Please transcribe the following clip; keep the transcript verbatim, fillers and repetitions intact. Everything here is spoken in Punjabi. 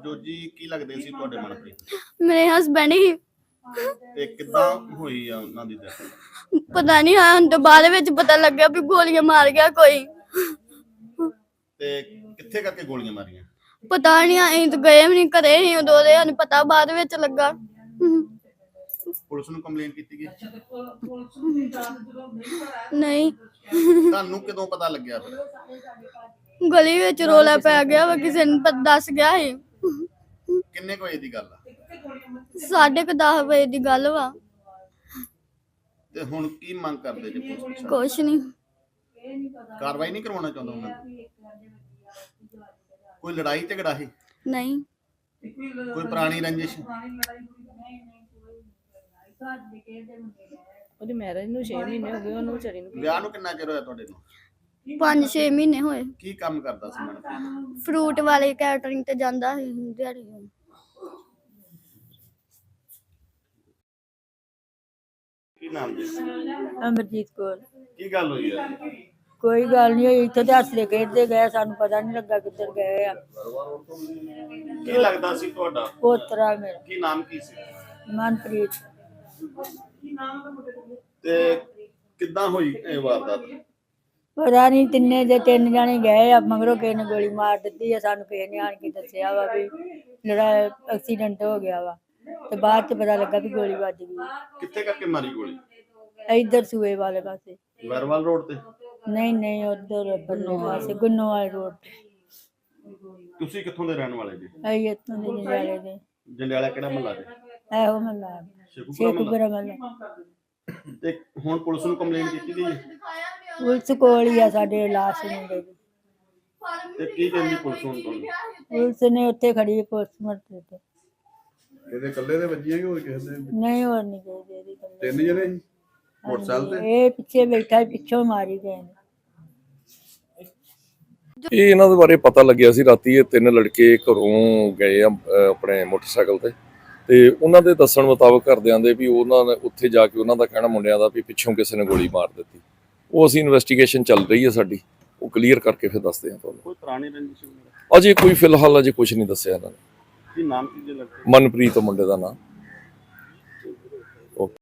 ਜੋਜੀ ਕੀ ਲੱਗਦੇ ਸੀ ਤੁਹਾਡੇ ਮਨਪ੍ਰੀਤ? ਮੇਰੇ ਹਸਬੈਂਡ ਹੀ। ਤੇ ਕਿੱਦਾਂ ਹੋਈ ਆ ਉਹਨਾਂ ਦੀ death? ਪਤਾ ਨਹੀਂ ਹਾਂ ਹੁਣ ਤੋਂ ਬਾਅਦ ਵਿੱਚ ਪਤਾ ਲੱਗਿਆ ਵੀ ਗੋਲੀਆਂ ਮਾਰ ਗਿਆ ਕੋਈ। ਤੇ ਕਿੱਥੇ ਕਰਕੇ ਗੋਲੀਆਂ ਮਾਰੀਆਂ? ਪਤਾ ਨਹੀਂ ਅਸੀਂ ਤਾਂ ਗਏ ਵੀ ਨਹੀਂ ਘਰੇ ਹੀ ਉਦੋਂ ਦੇ ਸਾਨੂੰ ਪਤਾ ਬਾਅਦ ਵਿੱਚ ਲੱਗਾ। ਪੁਲਿਸ ਨੂੰ ਕੰਪਲੇਂਟ ਕੀਤੀ ਗਈ? ਨਹੀਂ ਤੁਹਾਨੂੰ ਕਦੋਂ ਪਤਾ ਲੱਗਿਆ ਫਿਰ? ਗਲੀ ਵਿੱਚ ਰੋਲਾ ਪੈ ਗਿਆ ਵਾ ਕਿਸੇ ਨੇ ਪਤਾ ਦੱਸ ਗਿਆ ਸੀ। ਕਿੰਨੇ ਕੁ ਵਜੇ ਦੀ ਗੱਲ ਆ? ਸਾਢੇ ਕੁ ਦਸ ਵਜੇ ਦੀ ਗੱਲ ਵਾ। ਤੇ ਹੁਣ ਕੀ ਮੰਗ ਕਰਦੇ ਜੀ ਪੁਲਿਸ ਪ੍ਰਸ਼ਾਸਨ? ਕੁਛ ਨਹੀਂ ਕਾਰਵਾਈ ਨਹੀਂ ਕਰਵਾਉਣਾ ਚਾਹੁੰਦਾ ਉਹਨਾਂ ਨੂੰ? ਕੋਈ ਲੜਾਈ ਝਗੜਾ ਸੀ? ਨਹੀਂ ਕੋਈ ਪੁਰਾਣੀ ਰੰਜਿਸ਼? ਉਹਦੀ ਮੈਰਿਜ ਨੂੰ ਛੇ ਮਹੀਨੇ ਹੋ ਗਏ, ਉਹਨੂੰ ਵਿਚਾਰੀ ਨੂੰ। ਵਿਆਹ ਨੂੰ ਕਿੰਨਾ ਚਿਰ ਹੋਇਆ ਤੁਹਾਡੇ ਨੂੰ? ਪੰਜ ਛੇ ਮਹੀਨੇ ਹੋਏ। ਕੀ ਕੰਮ ਕਰਦਾ ਸੀ ਮਨਪ੍ਰੀਤ? ਫਰੂਟ ਵਾਲੇ ਕੈਟਰਿੰਗ ਤੇ ਜਾਂਦਾ ਸੀ ਦਿਹਾੜੀ। ਕੀ ਨਾਮ ਜੀ? ਅਮਰਜੀਤ ਕੌਰ। ਕੀ ਗੱਲ ਹੋਈ ਆ? ਕੋਈ ਗੱਲ ਨਹੀਂ ਹੋਈ, ਇੱਥੇ ਤੇ ਹੱਸਦੇ ਖੇਡਦੇ ਗਏ, ਸਾਨੂੰ ਪਤਾ ਨਹੀਂ ਲੱਗਾ ਕਿੱਧਰ ਗਏ ਆ। ਕੀ ਲੱਗਦਾ ਸੀ ਤੁਹਾਡਾ? ਪੋਤਰਾ ਮੇਰਾ ਕੀ ਨਾਮ ਕੀ ਸੀ? ਮਨਪ੍ਰੀਤ। ਤੇ ਕਿੱਦਾਂ ਹੋਈ ਇਹ ਵਾਰਦਾਤ? ਪਤਾ ਨਹੀਂ ਤਿੰਨੇ ਦੇ ਤਿੰਨ ਜਾਣੇ ਗਏ ਆ, ਮਗਰੋਂ ਕਿਸੇ ਨੇ ਗੋਲੀ ਮਾਰ ਦਿੱਤੀ ਆ। ਸਾਨੂੰ ਕਿਸੇ ਨੇ ਆਣ ਕੇ ਦੱਸਿਆ ਵਾ ਵੀ ਲੜਾ ਐਕਸੀਡੈਂਟ ਹੋ ਗਿਆ ਵਾ, ਤੇ ਬਾਅਦ ਚ ਪਤਾ ਲੱਗਾ ਵੀ ਗੋਲੀ ਵੱਜ ਗਈ। ਕਿੱਥੇ ਕਰਕੇ ਮਾਰੀ ਗੋਲੀ? ਇੱਧਰ ਸੂਏ ਵਾਲੇ ਪਾਸੇ। ਵਰਵਾਲ ਰੋਡ ਤੇ? ਨਹੀਂ ਨਹੀਂ ਉਧਰ ਬੰਨੇ ਪਾਸੇ ਗੁੰਨੋ ਵਾਲੇ ਰੋਡ ਤੇ। ਤੁਸੀਂ ਕਿੱਥੋਂ ਦੇ ਰਹਿਣ ਵਾਲੇ ਜੀ? ਅਸੀਂ ਇੱਥੋਂ ਦੇ ਜੰਡਿਆਲੇ ਦੇ। ਜੰਡਿਆਲਾ ਕਿਹੜਾ ਮਹੱਲਾ ਜੀ? ਇਹੋ ਮਹੱਲਾ ਸ਼ੇਖੂਪੁਰਾ ਸ਼ੇਖੂਪੁਰਾ ਮਹੱਲਾ। ਮਹੱਲਾ। ਤੇ ਹੁਣ ਪੁਲਿਸ ਨੂੰ ਕੰਪਲੇਂਟ ਕੀਤੀ ਗਈ ਹੈ? ਪੁਲਿਸ ਕੋਲ ਹੀ ਆ ਸਾਡੇ ਲਾਸ਼ ਮੁੰਡੇ ਦੀ। ਤੇ ਕੀ ਕਹਿੰਦੀ ਪੁਲਿਸ ਹੁਣ ਤੁਹਾਨੂੰ? ਪੁਲਿਸ ਨੇ ਉੱਥੇ ਖੜੀ ਪੋਸਟਮਾਰਟਮ ਤੇ। ਇਹਦੇ ਇਕੱਲੇ ਦੇ ਵੱਜੀ ਹੈ ਕਿ ਹੋਰ ਕਿਸੇ ਦੇ? ਨਹੀਂ ਹੋਰ ਨਹੀਂ ਗਏ ਇਹਦੀ ਗੱਲ। ਤਿੰਨ ਜਣੇ ਸੀ ਮੋਟਰਸਾਈਕਲ ਤੇ? ਇਹ ਪਿੱਛੇ ਬੈਠਾ ਪਿੱਛੋਂ ਮਾਰੀ ਗਏ ਨੇ। ਇਹ ਇਹਨਾਂ ਦੇ ਬਾਰੇ ਪਤਾ ਲੱਗਿਆ ਸੀ ਰਾਤੀ। ਇਹ ਤਿੰਨ ਲੜਕੇ ਘਰੋਂ ਗਏ ਆ ਆਪਣੇ ਮੋਟਰਸਾਈਕਲ ਤੇ, ਤੇ ਉਹਨਾਂ ਦੇ ਦੱਸਣ ਮੁਤਾਬਕ ਘਰਦਿਆਂ ਦੇ ਵੀ ਉਹਨਾਂ ਨੇ ਉੱਥੇ ਜਾ ਕੇ ਉਹਨਾਂ ਦਾ ਕਹਿਣਾ ਮੁੰਡਿਆਂ ਦਾ ਵੀ ਪਿੱਛੋਂ ਕਿਸੇ ਨੇ ਗੋਲੀ ਮਾਰ ਦਿੱਤੀ। ਉਹ ਅਸੀਂ ਇਨਵੈਸਟੀਗੇਸ਼ਨ ਚੱਲ ਰਹੀ ਹੈ ਸਾਡੀ, ਉਹ ਕਲੀਅਰ ਕਰਕੇ ਫਿਰ ਦੱਸਦੇ ਹਾਂ ਤੁਹਾਨੂੰ। ਕੋਈ ਪੁਰਾਣੀ ਰੰਜਿਸ਼? ਅਜੇ ਕੋਈ ਫਿਲਹਾਲ ਅਜੇ ਕੁਝ ਨਹੀਂ ਦੱਸਿਆ ਇਹਨਾਂ ਨੇ। ਕੀ ਨਾਮ ਕੀ ਜੇ ਲੜਕੇ? ਮਨਪ੍ਰੀਤ ਮੁੰਡੇ ਦਾ ਨਾਮ।